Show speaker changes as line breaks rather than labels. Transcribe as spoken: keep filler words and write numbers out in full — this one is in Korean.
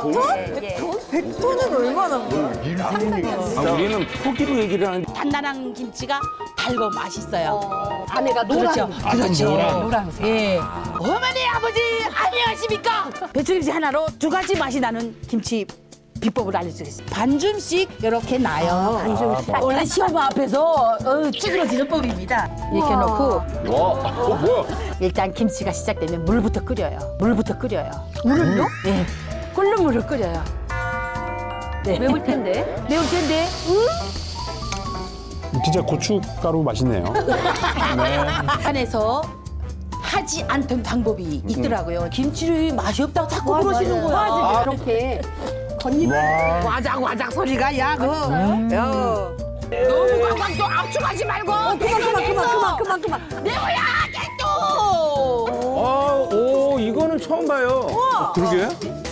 백 톤은 얼마나?
아, 우리는 포기로 얘기를 하는데
단단한 김치가 달고 맛있어요.
안에가 노란.
그렇죠. 그렇죠. 노란색. 예. 어머니, 아버지, 안녕하십니까? 배추김치 하나로 두 가지 맛이 나는 김치 비법을 알려드리겠습니다. 반줌씩 이렇게 나요. 반줌씩. 원래 시어머 앞에서 어, 찌그러지는 법입니다. 이렇게 놓고
와, 어, 뭐야?
일단 김치가 시작되면 물부터 끓여요. 물부터 끓여요. 물을요? 예. 끓는 물을 끓여요. 네.
매울 텐데.
매울 텐데.
진짜 고춧가루 맛있네요.
안에서 하지 않던 방법이 있더라고요. 김치를 맛이 없다고 자꾸 그러시는 거야.
맞아. 이렇게 겉잎.
와작 와작 소리가 야 그. 야. 너무 꽉꽉 또 압축하지 말고.
그만 그만 그만 그만 그만 그만.
매워야 또.
아, 오, 이거는 처음 봐요.
그러게?